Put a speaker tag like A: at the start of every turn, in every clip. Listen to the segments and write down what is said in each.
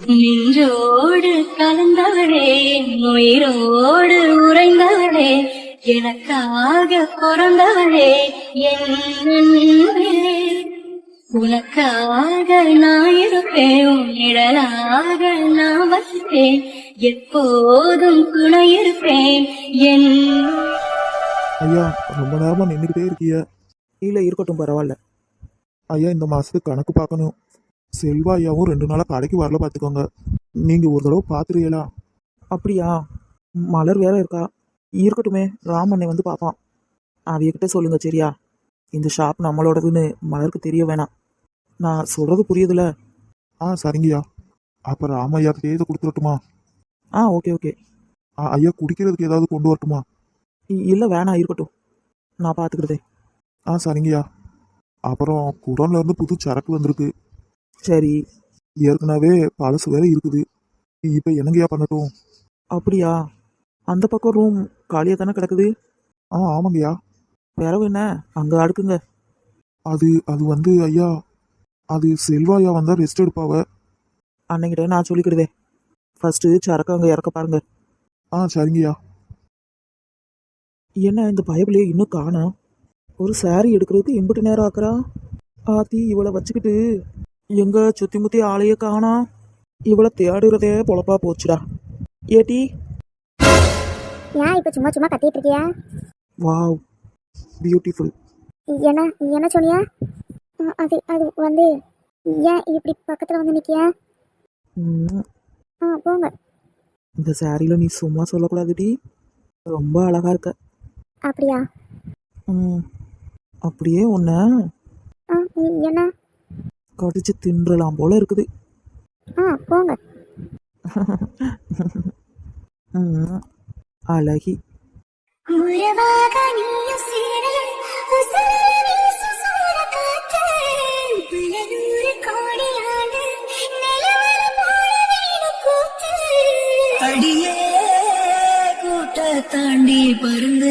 A: நின்றோடு கலந்தவளே, உயிரோடு உறைந்தவளே, எனக்காக பிறந்தவளே, என் அன்பே. உனக்காக நான் இருப்பேன், உன் நிழலாக நான் வசிப்பேன், எப்போதும் துணை இருப்பேன் என்.
B: ஐயா, ரொம்ப நேரமா நின்றுக்கிட்டே இருக்கிய.
C: இல்லை இருக்கட்டும், பரவாயில்ல.
B: ஐயா, இந்த மாசத்துக்கு கணக்கு பார்க்கணும். செல்வா ஐயாவும் 2 நாளா கடைக்கு வரல, பார்த்துக்கோங்க. நீங்க ஒரு தடவை பார்த்துருவீங்களா?
C: அப்படியா? மலர் வேற இருக்கா. இருக்கட்டுமே, ராமண்ணை வந்து பார்ப்பான். அவையக்கிட்ட சொல்லுங்க, சரியா? இந்த ஷாப் நம்மளோடதுன்னு மலருக்கு தெரிய வேணாம். நான் சொல்றது புரியுதுல?
B: சரிங்கய்யா. அப்ப ராமையா கிட்டே இதை கொடுத்துடட்டுமா?
C: Okay okay.
B: ஐயா, குடிக்கிறதுக்கு ஏதாவது கொண்டு வரட்டுமா?
C: இல்லை வேணாம், இருக்கட்டும், நான் பார்த்துக்கிறதே.
B: சரிங்கய்யா. அப்புறம் குடோன்ல இருந்து புது சரக்கு வந்திருக்கு.
C: சரி.
B: ஏற்கனவே பழசு வேற இருக்குது. இப்ப என்னங்கய்யா பண்ணட்டும்?
C: அப்படியா? அந்த பக்கம் ரூம் காலியாக தானே கிடக்குது?
B: ஆமாங்கய்யா.
C: பிறவு என்ன அங்கே அடுக்குங்க.
B: அது அது வந்து ஐயா, அது செல்வா ஐயா வந்தா ரெஸ்ட் எடுப்பாவ.
C: அன்னைக்கிட்ட நான் சொல்லிக்கிடுதே. ஃபர்ஸ்ட் சரக்கு அங்கே இறக்க பாருங்க.
B: சரிங்கய்யா.
C: என்ன இந்த பயபிளையே இன்னும் காணோம்? ஒரு சாரி எடுக்கிறதுக்கு எம்பிட்டு நேரம் ஆக்குறா. ஆத்தி இவளை வச்சுக்கிட்டு எங்க சுத்தி முத்தி ஆளையே காணா. இவளை தேடுறதே பொழப்பா போச்சுடா. ஏட்டி,
D: ஏன் இப்போ சும்மா சும்மா கத்திட்டு இருக்கியா?
C: Wow, beautiful.
D: என்ன என்ன சொன்னியா? அது அது வந்து ஏன் இப்படி பக்கத்தில் வந்து நிற்கியா? போங்க.
C: இந்த சாரியில் நீ சும்மா சொல்லக்கூடாதுடி, ரொம்ப அழகா இருக்க.
D: அப்படியா?
C: அப்படியே உன்னை
D: என்ன
C: கடிச்சு தின்றலாம் போல இருக்குது.
D: போங்க.
C: அழகி.
A: அடியே கூட்ட தாண்டி பருந்து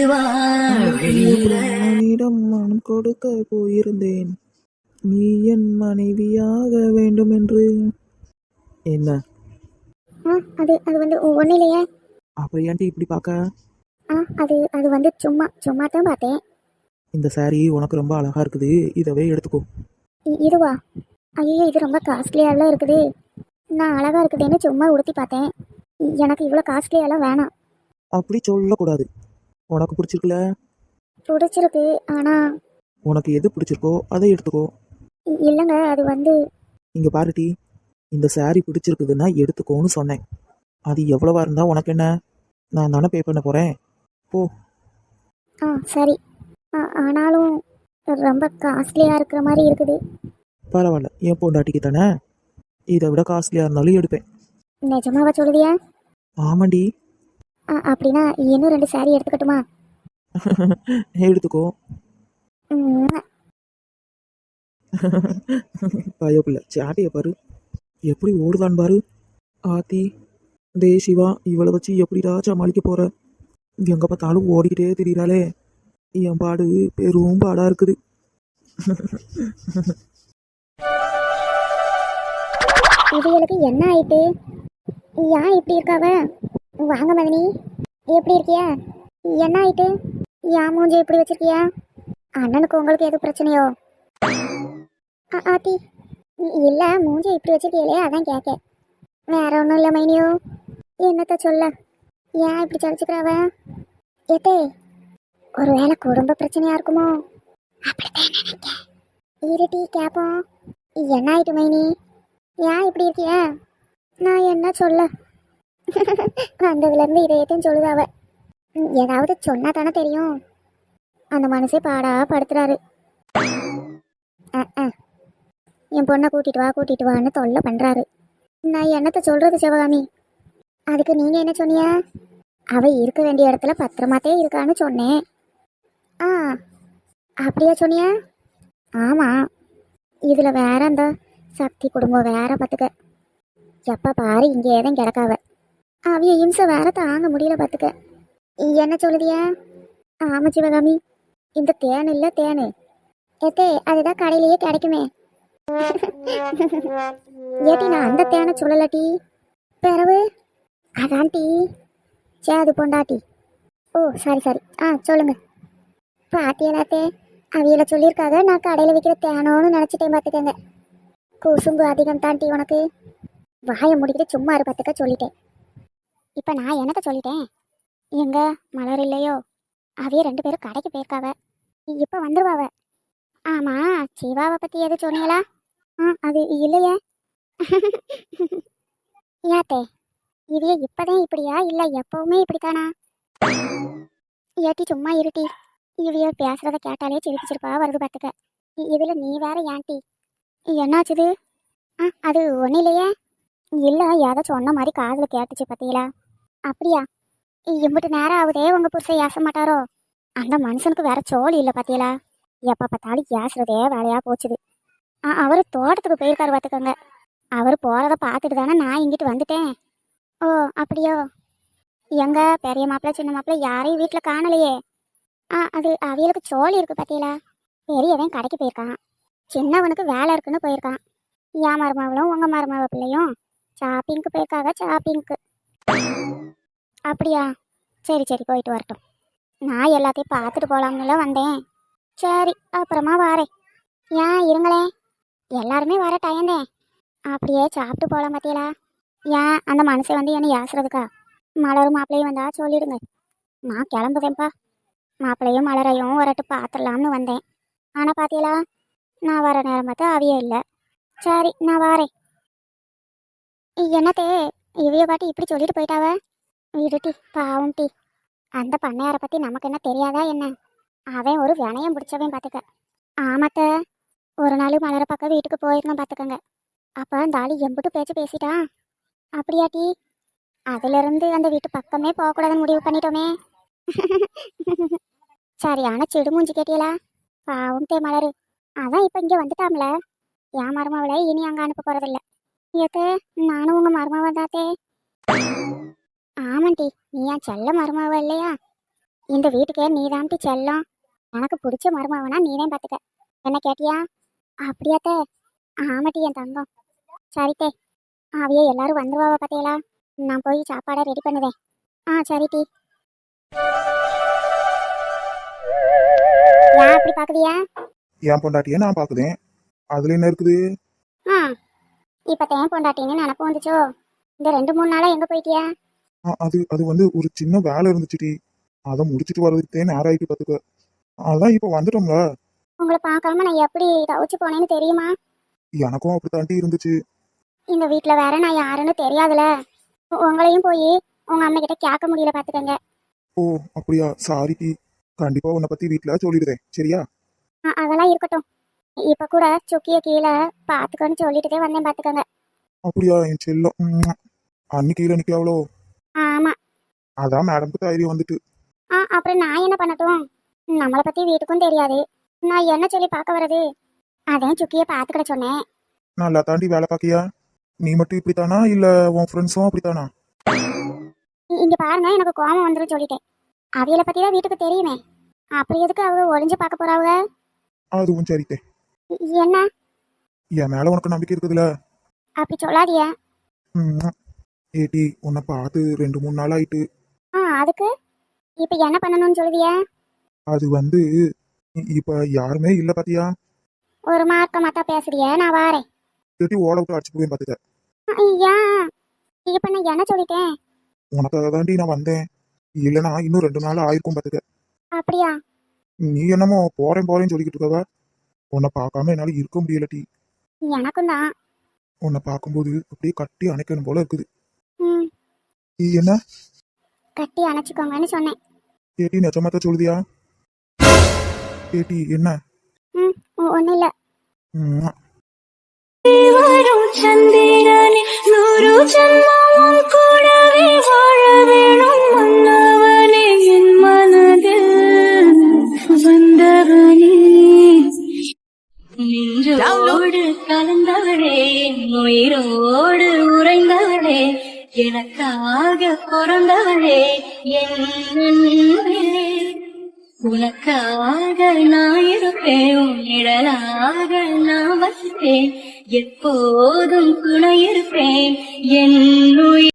C: வானிடம் மனம் கொடுக்க போயிருந்தேன், நீ என் மனைவியாக வேண்டும் என்று. என்ன?
D: அது அது வந்து ஒன்றும் இல்லையே.
C: அப்புறம் ஏன்ட்டு இப்படி பார்க்க?
D: அது அது வந்து சும்மா சும்மா தான் பார்த்தேன்.
C: இந்த சாரி உனக்கு ரொம்ப அழகா இருக்குது, இதவே எடுத்துக்கோ.
D: இதுவா? ஐயோ, இது ரொம்ப காஸ்ட்லியாலாம் இருக்குது. நான் அழகா இருக்குதுன்னு சும்மா உடுத்தி பார்த்தேன். எனக்கு இவ்வளோ காஸ்ட்லியெல்லாம் வேணாம்.
C: அப்படி சொல்லக்கூடாது. உனக்கு பிடிச்சிருக்குல?
D: பிடிச்சிருக்கு, ஆனால்
C: உனக்கு எது பிடிச்சிருக்கோ அதை எடுத்துக்கோ.
D: இல்லைங்க, அது வந்து
C: இங்கே பாருட்டி, இந்த சாரி பிடிச்சிருக்குதுன்னா எடுத்துக்கோன்னு சொன்னேன். அது எவ்வளவா இருந்தால் உனக்கு என்ன? நான் தானே பே பண்ண போகிறேன், போ.
D: சரி. ஆனாலும் ரொம்ப காஸ்ட்லியாக இருக்கிற மாதிரி இருக்குது.
C: பரவாயில்ல, என் பொண்டாட்டிக்கு தானே, இதை விட காஸ்ட்லியாக இருந்தாலும் எடுப்பேன்.
D: நிஜமாவா சொல்லுதியா?
C: ஆமாண்டி.
D: அப்படின்னா இன்னும் 2 சாரி எடுத்துக்கட்டுமா?
C: எடுத்துக்கோ. பயப்பில்ல, சாட்டையை பாரு எப்படி ஓடுதான் பாரு. ஆத்தி, டே சிவா, இவளை வச்சு எப்படிடா சமாளிக்க போற? எங்க பார்த்தாலும் ஓடிக்கிட்டே திரியிறாளே, என் பாடு பெரும் பாடா இருக்குது.
D: இவங்களுக்கு என்ன ஆயிட்டு? ஏன் இப்படி இருக்காவ? வாங்க மதினி, எப்படி இருக்கியா? என்ன ஆயிட்டு? ஏன் மூஞ்சி இப்படி வச்சிருக்கியா? அண்ணனுக்கு உங்களுக்கு எதுவும் பிரச்சனையோ? ஆத்தி, இல்லை, மூஞ்சி இப்படி வச்சிருக்கீங்களே, அதான் கேட்க. வேற ஒன்றும் இல்லை மைனியோ. என்னத்த சொல்ல, ஏன் இப்படி சலிச்சுக்கிறாவ? ஏத்தே, ஒருவேளை குடும்ப பிரச்சனையா இருக்குமோ? அப்படித்தான் நினைக்க. இருட்டி கேப்போம். என்ன ஆயிட்டு மைனி? ஏன் இப்படி இருக்கிய? நான் என்ன சொல்ல? வந்ததுலேருந்து இதையத்தையும் சொல்லுதாவ. ஏதாவது சொன்னா தானே தெரியும். அந்த மனசே பாடா படுத்துறாரு. என் பொண்ணை கூட்டிட்டு வான்னு தொல்லை பண்ணுறாரு. நான் என்னத்தை சொல்கிறது சிவகாமி? அதுக்கு நீங்கள் என்ன சொன்னீங்க? அவள் இருக்க வேண்டிய இடத்துல பத்திரமாத்தே இருக்கான்னு சொன்னேன். அப்படியா சொன்னியா? ஆமாம். இதில் வேற அந்த சக்தி குடும்பம் வேற பார்த்துக்க. எப்போ பாரு இங்கே தான் கிடக்காவ. அவைய இம்சை வேற தாங்க முடியல பார்த்துக்க. என்ன சொல்லுதியா? ஆமாம் சிவகாமி, இந்த தேன் இல்லை தேனு. ஏத்தே, அதுதான் கடையிலேயே கிடைக்குமே. ஏட்டி நான் அந்த தேனை சொல்லலட்டி. பிறவு அதான் டீ சேது பொண்டாட்டி. ஓ சரி சரி, சொல்லுங்க. பாத்தியலாத்தே, அவியல சொல்லியிருக்காங்க நான் கடையில் விற்கிற தேனோன்னு நினச்சிட்டேன் பார்த்துக்கங்க. குசும்பு அதிகம் தான் டீ உனக்கு. வாயை முடிக்கிட்டு சும்மா இரு பார்த்துக்க சொல்லிட்டேன். இப்போ நான் என்னத்த சொல்லிட்டேன்? எங்க மலர் இல்லையோ? அவைய 2 பேரும் கடைக்கு போயிருக்காவ. இப்போ வந்துருவாவ. ஆமா, சிவாவை பற்றி எது சொன்னீங்களா? அது இல்லையே. யாத்தே, இவைய இப்பதான் இப்படியா இல்லை எப்பவுமே இப்படித்தானா? ஏட்டி சும்மா இருட்டி. இவைய பேசுறத கேட்டாலே சிரிப்பிச்சிருப்பா வருது பார்த்துக்க. இதுல நீ வேற ஏன்டி? என்னாச்சுது? அது ஒன்றும் இல்லையே. இல்லை, ஏதோ சொன்ன மாதிரி காதில் கேட்டுச்சு பார்த்தீங்களா? அப்படியா? இம்பிட்டு நேரம் ஆகுதே உங்க புருஷன் ஏச மாட்டாரோ? அந்த மனுஷனுக்கு வேற சோழி இல்லை பார்த்தீங்களா? எப்போ பார்த்தாலும் ஏசுறதே வேலையா போச்சுது. அவர் தோட்டத்துக்கு போயிருக்காரு பார்த்துக்கோங்க. அவர் போறத பார்த்துட்டு தானே நான் இங்கிட்டு வந்துட்டேன். ஓ அப்படியோ? எங்க பெரிய மாப்பிள்ள சின்ன மாப்பிள்ள யாரையும் வீட்டில் காணலையே. அது அவியலுக்கு சோழி இருக்கு பார்த்தீங்களா? பெரியவன் கடைக்கு போயிருக்கான், சின்னவனுக்கு வேலை இருக்குன்னு போயிருக்கான். என் மருமாவளும் உங்க மருமாவ பிள்ளையும் ஷாப்பிங்க்கு போயிருக்காங்க. ஷாப்பிங்க்கு. அப்படியா? சரி சரி, போயிட்டு வரட்டும். நான் எல்லாத்தையும் பார்த்துட்டு போகலாம்னுல வந்தேன். சரி, அப்புறமா வாரேன். ஏன் இருங்களேன், எல்லாருமே வர டயந்தேன். அப்படியே சாப்பிட்டு போகலாம் பார்த்தீங்களா? ஏன் அந்த மனுஷன் வந்து என்னை ஏசுறதுக்கா? மலரும் மாப்பிள்ளையும் வந்தா சொல்லிடுங்க. நான் கிளம்புதேன்ப்பா. மாப்பிள்ளையும் மலரையும் வரட்டு பார்த்துடலாம்னு வந்தேன். ஆனால் பார்த்தீங்களா, நான் வர நேரம் பார்த்தா அவியே இல்லை. சரி, நான் வாரேன். என்னத்தே இவைய பாட்டி இப்படி சொல்லிட்டு போயிட்டாவ? விடுட்டி, பாவம் டி. அந்த பண்ணையாரை பற்றி நமக்கு என்ன தெரியாதா என்ன? அவன் ஒரு வினயம் பிடிச்சவன் பார்த்துக்க. ஆமாத்த, ஒரு நாள் மலர பக்கம் வீட்டுக்கு போயிருந்தோம் பார்த்துக்கங்க. அப்போ அந்த ஆளு எம்பிட்டு பேச்சு பேசிட்டான். அப்படியாட்டி? அதிலிருந்து அந்த வீட்டு பக்கமே போகக்கூடாதுன்னு முடிவு பண்ணிட்டோமே. சரியான சிடுமூஞ்சி கேட்டியலா? பாவம் தே மலரு. அதான் இப்போ இங்கே வந்துட்டாம்ல. என் மருமாவளை இனி அங்கே அனுப்ப போகிறதில்ல. ஏத்தே, நானும் உங்கள் மருமாவை தாத்தே. ஆமாண்டி, நீ என் செல்ல மருமாவ இல்லையா? இந்த வீட்டுக்கே நீ தான்ட்டி செல்லம். எனக்கு பிடிச்ச மருமாவனா நீதான் பார்த்துக்க. என்ன கேட்டியா? அப்படியாத்தே? ஆமாட்டி என் தங்கம். சரித்தே, அவையே எல்லாரும் வந்துருவாவ பார்த்தீங்களா? நான் போய் சாப்பாடை ரெடி பண்ணுவேன். சரிட்டி. ஏன் அப்படி பார்க்குதியா?
B: என் பொண்டாட்டியை நான் பார்க்குதேன், அதுல என்ன இருக்குது?
D: இப்போ தேன் பொண்டாட்டின்னு நினப்பு வந்துச்சோ? இந்த 2-3 நாளா எங்கே போயிட்டியா?
B: அது வந்து ஒரு சின்ன வேலை இருந்துச்சுடி, அதை முடிச்சுட்டு வர்றதுக்கு நேரம் ஆயிட்டு பார்த்துக்க. அதான் இப்போ வந்துட்டோம்ல.
D: உங்களை பார்க்காம நான் எப்படி தவிச்சு போனேன்னு தெரியுமா?
B: எனக்கும் அப்படித்தாண்டி இருந்துச்சு.
D: இந்த வீட்டில் வேற நான் யாருன்னு தெரியாதுல. உங்களையும் போய் உங்கள் அம்மா கிட்ட கேட்க முடியல பார்த்துக்கங்க.
B: ஓ அப்படியா? சாரிடி, கண்டிப்பா உன்னை பத்தி வீட்டில் சொல்லிடுறேன், சரியா?
D: அதெல்லாம் இருக்கட்டும். இப்போ கூட சுக்கிய கீழே பார்த்துக்கன்னு சொல்லிட்டுதே வந்தேன் பார்த்துக்கங்க.
B: அப்படியா என் செல்லம்? அன்னைக்கு கீழே நிற்காவளோ?
D: ஆமாம்.
B: அதான் மேடம்க்கு தைரியம் வந்துட்டு.
D: அப்புறம் நான் என்ன பண்ணட்டும்? நம்மளை பற்றி வீட்டுக்கும் தெரியாது, நான் என்ன சொல்லி பார்க்க வர்றது? அதான் சுக்கியை பார்த்துக்கிட சொன்னேன்.
B: நல்லா தாண்டி வேலை பார்க்கியா? நீ மட்டும் இப்படித்தானா இல்லை உன் ஃப்ரெண்ட்ஸும் அப்படித்தானா?
D: இங்கே பாருங்க, எனக்கு கோபம் வந்துடும் சொல்லிட்டேன். அவியலை பற்றி தான் வீட்டுக்கு தெரியுமே, அப்படி எதுக்கு அவங்க ஒளிஞ்சு பார்க்க போறாங்க?
B: அதுவும் சரித்தே.
D: என்ன?
B: என் மேல உனக்கு நம்பிக்கை இருக்குதுல்ல?
D: அப்படி சொல்லாதிய.
B: ஏடி, உன்னை பார்த்து 2-3 நாள் ஆயிட்டு.
D: அதுக்கு இப்போ என்ன பண்ணணும்னு சொல்லுவிய?
B: அது வந்து இப்ப யாருமே இல்ல பாத்தியா?
D: ஒரு மார்க்கமாத்தா பேசுறிய, நான் வாரேன்.
B: ஏடி, ஓட விட்டு அடிச்சு போவேன் பாத்துக்க.
D: ஐயா, இப்போ நான் என்ன சொல்லிட்டேன்?
B: உனக்காக தாண்டி நான் வந்தேன், இல்லைனா இன்னும் 2 நாள் ஆயிருக்கும் பாத்துக்க.
D: அப்படியா?
B: நீ என்னமோ போறேன்னு சொல்லிக்கிட்டு இருக்கவ, உன்னை பார்க்காம என்னால இருக்க முடியலடி.
D: எனக்கும் தான்.
B: உன்னை பார்க்கும்போது அப்படியே கட்டி அணைக்கணும் போல இருக்குது.
D: நீ
B: என்ன
D: கட்டி அணைச்சிக்கோங்கன்னு சொன்னேன்.
B: ஏடி, நிஜமாத்த சொல்லுதியா? ஏடி என்ன?
D: ஒன்றும் இல்லை.
A: வரும் சந்திரனே, 100 ஜன்மமும் கூடவே வாழ வேணும் மன்னவனே, என் மனதில் வந்தவனே. நின்றோடு கலந்தவளே, உயிரோடு உறைந்தவளே, எனக்காக பிறந்தவளே என் அன்பே. உனக்காக நான் இருப்பேன், உன் நிழலாக நான் வசிப்பேன், எப்போதும் துணை இருப்பேன் என் உயிர்